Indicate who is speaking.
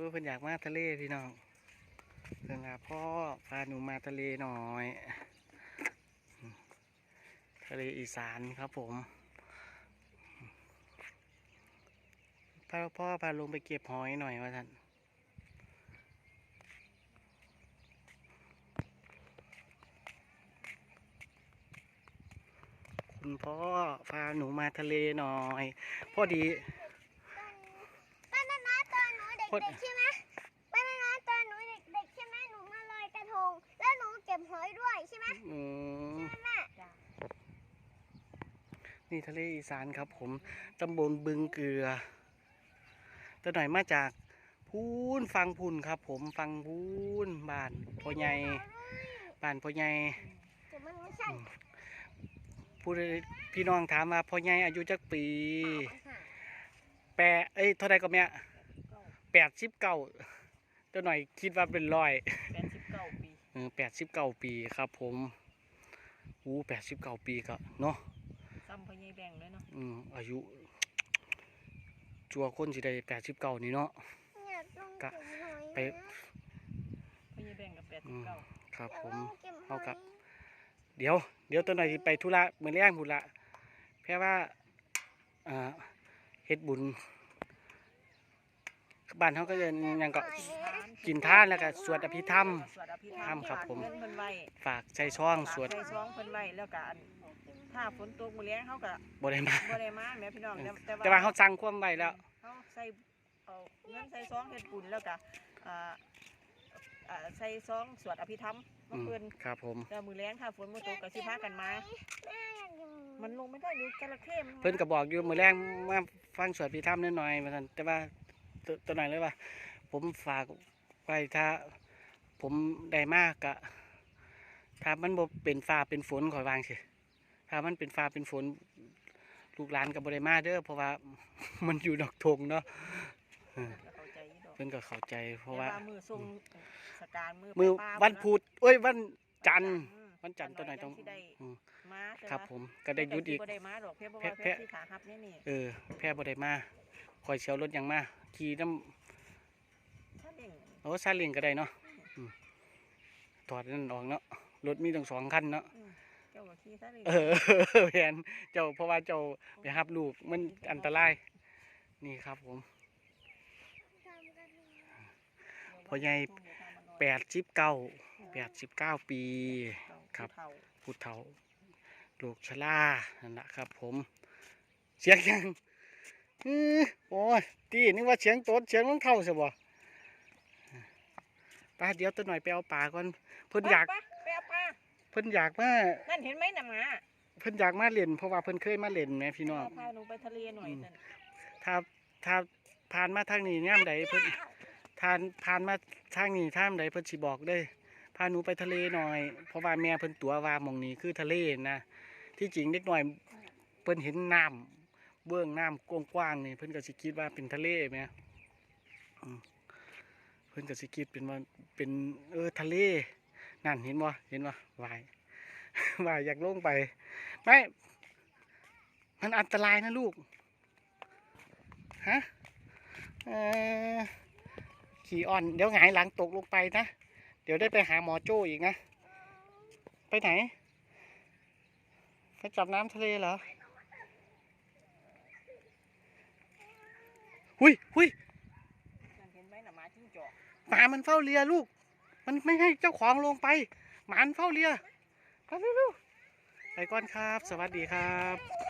Speaker 1: เพิ่นอยากมาทะเลพี่น้องเพิ่นว่าพ่อพาหนูมาทะเลหน่อยทะเลอีสานครับผมพ่อพาลงไปเก็บหอยหน่อยว่าท่านคุณพ่อพาหนูมาทะเลหน่อยพอดี
Speaker 2: ป้านานาตอนหนูเด็กๆใช่ไหมป้านานาตอนหนูเด็กๆใช่ไหมหนูมาลอยกระทงแล้วหนูเก็บหอยด้วยใช่ไหมใช่ไหมแม่
Speaker 1: นี่ทะเลอีสานครับผมตำบลบึงเกลือตัวหน่อยมาจากพูนฟังพูนครับผมฟังพูนบ้านพ่อใหญ่บ้านพ่อใหญ่
Speaker 2: แต่มันไม่ใช่
Speaker 1: ผู้พี่น้องถามว่าพ่อใหญ่อายุจักปีเท่าไรก็แม่89ตัวหน่อยคิดว่าเป็น100
Speaker 3: 89 ปี
Speaker 1: 89 ปีครับผม89 ปีก็เนาะ
Speaker 3: ซ้ำพ่อใหญ่แบ่งเลยเนาะ
Speaker 1: อายุจัวคนสิได้89นี่เนาะก็ไป
Speaker 3: พ่อใหญ่แบ่งกับ89
Speaker 1: ครับผมเอากับเดี๋ยวตัวหน่อยไปธุระมื้อแรงพุ่นละแค่ว่าเฮ็ดบุญบ้านเขาก็จะยังก็กินท่านแล้วก็สวดอภิธรรมครับผมฝากใจช่องสวด
Speaker 3: ใจช่องเพิ่นไว้แล้วก็ถ้าฝนตกมื้อแลงเฮาก็
Speaker 1: บ่ได้มา
Speaker 3: แม่พี่น้อง
Speaker 1: แต่ว่าเขาสั่งความไว้แล้ว
Speaker 3: เฮาใส่เงินใส่ซองเฮ็ดบุญแล้วก็ใส่ซองสวดอภิธรรมเมื่อคืน
Speaker 1: ครับผม
Speaker 3: แล้วมื้อแลงถ้าฝนบ่ตกก็สิพากันมามันลงไม่ได้ดูจระเข้
Speaker 1: เพิ่นก็บอกอยู่มื้อแรงมาฟังสวดอภิธรรมนิดหน่อยว่าซั่นแต่ว่าตัวหน่อยเลยว่าผมฝากไว้ถ้าผมได้มากกะถ้ามันบ่เป็นฟ้าเป็นฝนขอยวางสิถ้ามันเป็นฟ้าเป็นฝนลูกหลานกับบ่ได้มาเด้อเพราะว่ามันอยู่ดอกทงเนาะเพิ่นก็เข้าใจเพราะว่า
Speaker 3: มือทรงสการ
Speaker 1: มือวันพุธวันจันทร์ตัวหน่อยต้องครับผมก็ได้หยุดอีกแพ้แพ้บ่ได้มาคอยเชียวรถยังมาขี่น้ำซาเล้งก็ได้เนาะถอดนั่นออกเนาะรถมีตั้ง2 คันเนาะแผนเจ้าเพราะว่าเจ้าไปหับลูกมันอันตรายนี่ครับผมพ่อใหญ่89 ปีครับผู้เฒ่าลูกชรานั่นแหละครับผมเสียงยังโอ้ยตีนึกว่าเสียงโต๊ดเสียงรองเท้าใช่บ่ป้าเดี๋ยวตัวหน่อยไปเอาปลาก่อนเพิ่นอยากมา
Speaker 3: นั่นเห็นไหมน่ะหมา
Speaker 1: เพิ่นอยากมาเล่นเพราะว่าเพิ่นเคยมาเล่นแม่พี่น้อง
Speaker 3: พาหนูไปทะเลหน่อย
Speaker 1: ถ้าผ่านมาทางนี้ย่ามใดเพิ่นผ่านมาทางนี้ท่ามใดเพิ่นสิบอกได้พาหนูไปทะเลหน่อยเพราะว่าแม่เพิ่นตัวว่าหม่องนี้คือทะเลนะที่จริงเด็กหน่อยเพิ่นเห็นน้ำเบื้องน้ำกว้างๆนี่เพิ่นก็สิคิดว่าเป็นทะเลไหมเพิ่นก็สิคิดเป็นว่าเป็นทะเลนั่นเห็นบ่ว่ายอยากลงไปไม่มันอันตรายนะลูกฮะขี่อ่อนเดี๋ยวหงายหลังตกลงไปนะเดี๋ยวได้ไปหาหมอโจ้อีกนะไปไหนไปจับน้ำทะเลเหรอหุยหมามันเฝ้าเรือลูกมันไม่ให้เจ้าของลงไปหมามันเฝ้าเรือไปเร็วๆไปก่อนครับสวัสดีครับ